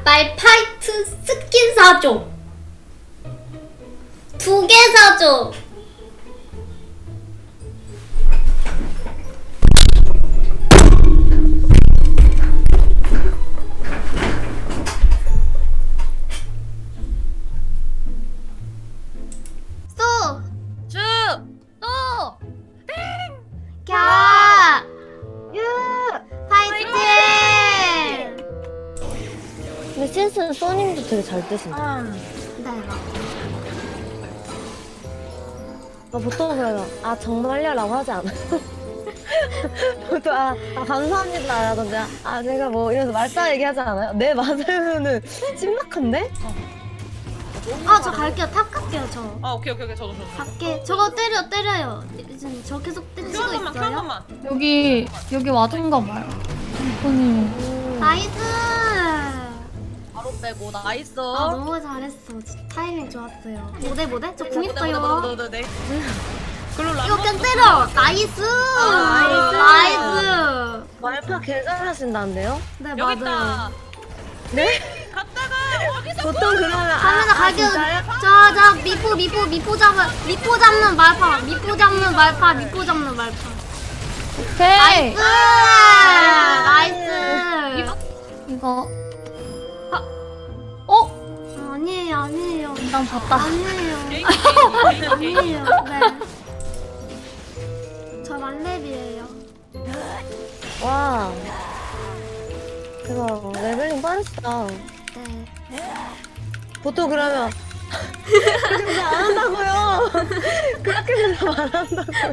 말파이트 스킨 사줘. 2개 사줘. 쏘! 주! 또! 겨! 유! 파이팅! 근데 신스는 써님도 되게 잘 뜨신다. 네. 보통 그래요. 아 정말요? 라고 하지 않아요? 보통 감사합니다 라던데 제가 뭐 이래서 말싸 얘기하지 않아요? 네 맞으면은 심각한데? 저 갈게요. 탑 갈게요, 저. 오케이 저도. 갈게. 저거 때려요. 지금 저 계속 때리고 한 있어요. 번만. 여기 와준가 봐요. 이코님. 나이스! 바로 빼고 나이스. 너무 잘했어. 진짜 타이밍 좋았어요. 뭐대? 저 궁 있어요. 네. 글로 이거 그냥 때려! 나이스! 나이스! 말파 개 잘하신다는데요? 네, 여기 맞아요. 있다. 네? 갔다가 어디서 보통 그러면 갑니다, 갈게요. 진짜요? 자, 미포 잡는 말파. 미포 잡는 말파. 오케이. 나이스! 이거 아니에요. 일단 봤다. 아니에요. 아니에요. 네. 저 만렙이에요. 와 대박 레벨링 빠르시다. 네. 보통 그러면 그렇게 안 한다고요. 그렇게 해서 안 한다고요.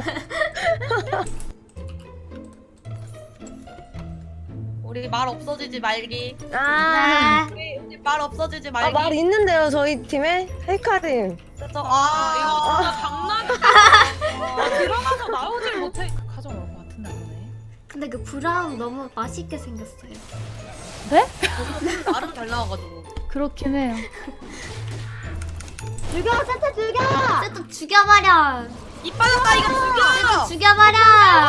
우리 말 없어지지 말기. 네. 우리 말 없어지지 말기. 말 있는데요 저희 팀에 헤이카님. 이거 진짜 장난이야. 들어가서 나오질 못해. 가져올 것 같은데 안네. 근데 그 브라운 너무 맛있게 생겼어요. 네? 나름 잘 나와가지고. 그렇긴 해요. 세트 죽여버려. 이빨았다 이거 죽여. 죽여버려.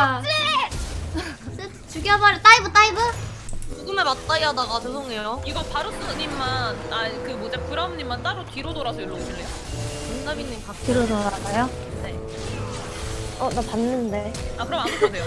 세트 죽여버려. 다이브. 죽음에 맞다이 하다가 죄송해요. 이거 바루스님만 브라움님만 따로 뒤로 돌아서 일로 오실래요? 은나비님 밖에. 뒤로 돌아가요? 네. 나 봤는데. 그럼 안 오셔도 돼요.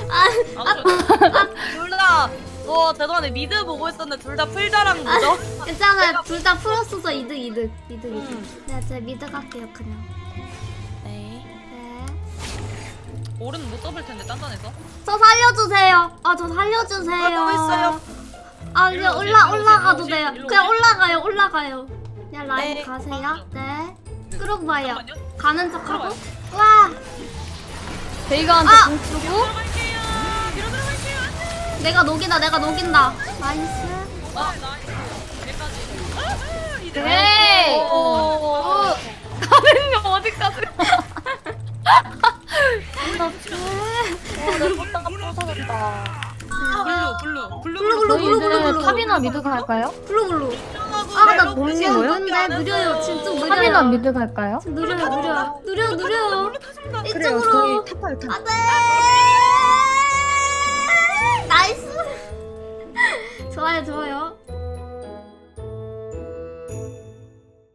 둘다 죄송한데 미드 보고 있었는데 둘 다 풀자랑 뭐죠? 괜찮아요. 둘 다 풀었어서 이득. 네, 제가 미드 갈게요 그냥. 네. 네. 오른 못 잡을 텐데 단단해서. 저 살려주세요. 저 살려주세요. 또 있어요. 그냥 일로 오세요, 올라가도 일로 돼요. 오세요. 그냥 올라가요. 그냥 라인 네. 가세요. 네. 끌고 봐요. 잠깐만요. 가는 척하고. 들어가요. 와. 베이가한테 아! 공 쓰고. 들어갈게요. 뒤로 들어갈게요. 내가 녹인다. 나이스. 나이스. 여기까지. 이제. 네. 가는 거 어디까지? 저희 이제 탑이나 미드 갈까요? 블루. 나 못 지금 믿어요? 느려요. 진짜 탑이나 느려요. 미드 갈까요? 지금 느려요. 그래요 이쪽으로. 저희 탑할 탑. 안돼. 나이스. 좋아요.